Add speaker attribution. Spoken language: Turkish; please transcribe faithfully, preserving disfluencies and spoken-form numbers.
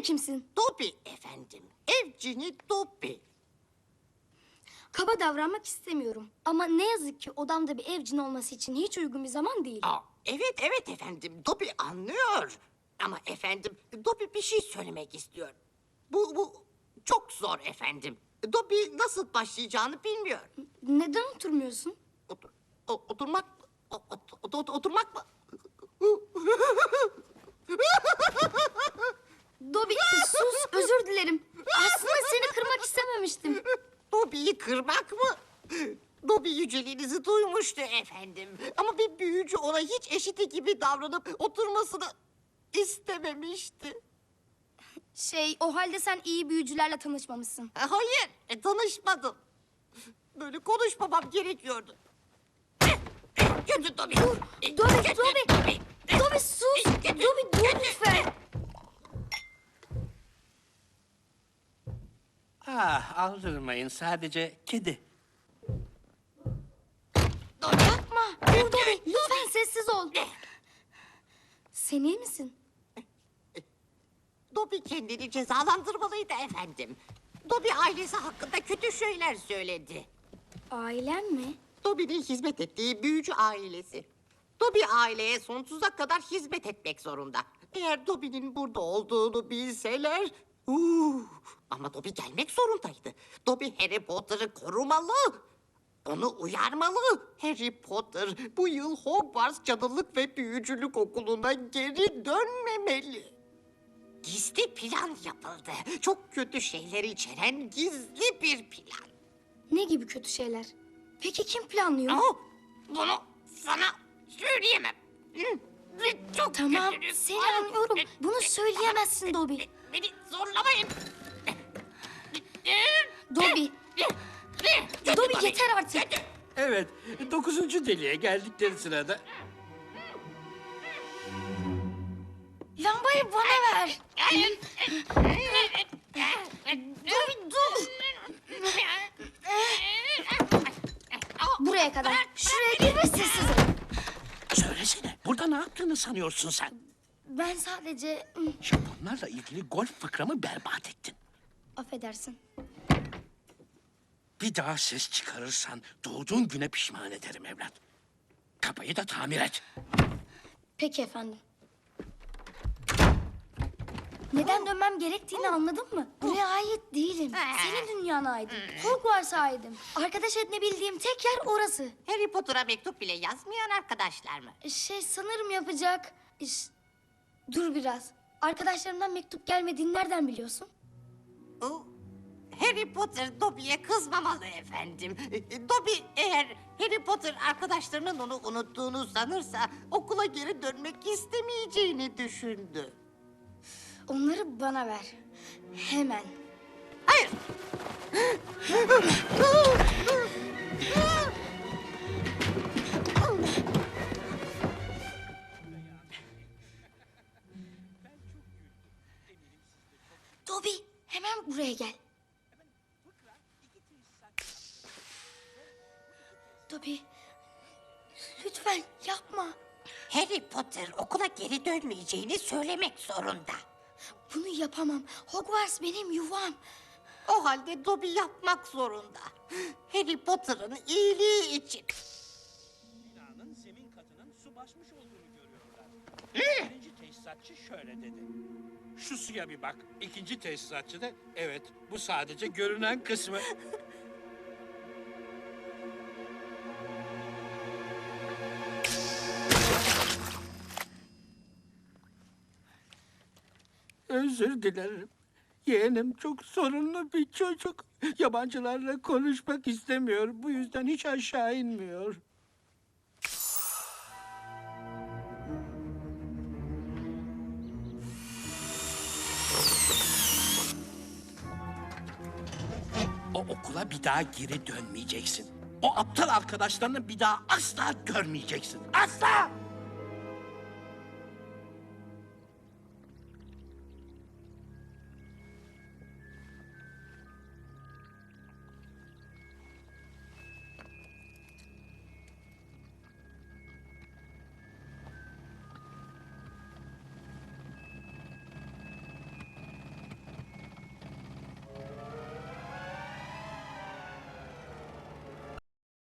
Speaker 1: kimsin?
Speaker 2: Dobby efendim. Evcini Dobby.
Speaker 1: Kaba davranmak istemiyorum. Ama ne yazık ki odamda bir evcin olması için hiç uygun bir zaman değil.
Speaker 2: Aa, evet evet efendim. Dobby anlıyor. Ama efendim Dobby bir şey söylemek istiyor. Bu, bu çok zor efendim. Dobby nasıl başlayacağını bilmiyor.
Speaker 1: Neden oturmuyorsun?
Speaker 2: Otur, o- oturmak mı? O- ot- ot- oturmak mı?
Speaker 1: Dobby sus, özür dilerim. Aslında seni kırmak istememiştim.
Speaker 2: Dobby'yi kırmak mı? Dobby yüceliğinizi duymuştu efendim. Ama bir büyücü ona hiç eşiti gibi davranıp oturmasını istememişti.
Speaker 1: Şey, o halde sen iyi büyücülerle tanışmamışsın.
Speaker 2: E, Hayır, e, tanışmadım. Böyle konuşmamam gerekiyordu. Kötü Dobby.
Speaker 1: Dur,
Speaker 2: E,
Speaker 1: Dobby,
Speaker 2: kötü
Speaker 1: Dobby. Dobby sus.
Speaker 2: Kötü,
Speaker 1: Dobby dur lütfen.
Speaker 3: Ah, aldırmayın, sadece kedi.
Speaker 2: Dobby.
Speaker 1: Yapma. Dur Dobby, lütfen sessiz ol. Sen iyi misin?
Speaker 2: Dobby kendini cezalandırmalıydı efendim. Dobby ailesi hakkında kötü şeyler söyledi.
Speaker 1: Ailen mi?
Speaker 2: Dobby'nin hizmet ettiği büyücü ailesi. Dobby aileye sonsuza kadar hizmet etmek zorunda. Eğer Dobby'nin burada olduğunu bilseler... Uh, ama Dobby gelmek zorundaydı. Dobby Harry Potter'ı korumalı. Onu uyarmalı. Harry Potter bu yıl Hogwarts Cadılık ve Büyücülük Okulu'na geri dönmemeli. Gizli plan yapıldı. Çok kötü şeyler içeren gizli bir plan.
Speaker 1: Ne gibi kötü şeyler? Peki kim planlıyor?
Speaker 2: Ama bunu sana söyleyemem. Hı, Çok
Speaker 1: Tamam,
Speaker 2: kötünüz.
Speaker 1: seni anlıyorum. Bunu söyleyemezsin Dobby.
Speaker 2: Beni zorlamayın.
Speaker 1: Dobby, Dobby yeter artık.
Speaker 3: Evet, dokuzuncu deliğe geldikleri sırada...
Speaker 1: Lambayı bana ver. Dobby dur. Buraya kadar. Şuraya gir ve sessiz ol.
Speaker 3: Söylesene, burada ne yaptığını sanıyorsun sen?
Speaker 1: Ben sadece... hmm,
Speaker 3: Japonlarla ilgili golf fıkramı berbat ettin.
Speaker 1: Affedersin.
Speaker 3: Bir daha ses çıkarırsan doğduğun güne pişman ederim evlat. Kapıyı da tamir et.
Speaker 1: Peki efendim. Neden dönmem gerektiğini anladın mı? Buraya ait değilim. Senin dünyana aidim. Hogwarts'a aidim. Arkadaş edinebildiğim tek yer orası.
Speaker 2: Harry Potter'a mektup bile yazmayan arkadaşlar mı?
Speaker 1: Şey sanırım yapacak. İş... Dur biraz. Arkadaşlarımdan mektup gelmediğini nereden biliyorsun?
Speaker 2: O, Harry Potter Dobby'ye kızmamalı efendim. E, Dobby eğer Harry Potter arkadaşlarının onu unuttuğunu sanırsa okula geri dönmek istemeyeceğini düşündü.
Speaker 1: Onları bana ver. Hemen.
Speaker 2: Hayır.
Speaker 1: Dobby hemen buraya gel. Dobby lütfen yapma.
Speaker 2: Harry Potter okula geri dönmeyeceğini söylemek zorunda.
Speaker 1: Bunu yapamam. Hogwarts benim yuvam.
Speaker 2: O halde Dobby yapmak zorunda. Harry Potter'ın iyiliği için.
Speaker 3: Binanın zemin katının su basmış olduğunu görüyorlar. Birinci tesisatçı şöyle dedi. Şu suya bir bak. İkinci tesisatçı da evet bu sadece görünen kısmı. Özür dilerim. Yeğenim çok sorunlu bir çocuk. Yabancılarla konuşmak istemiyor. Bu yüzden hiç aşağı inmiyor. O okula bir daha geri dönmeyeceksin. O aptal arkadaşlarını bir daha asla görmeyeceksin. Asla!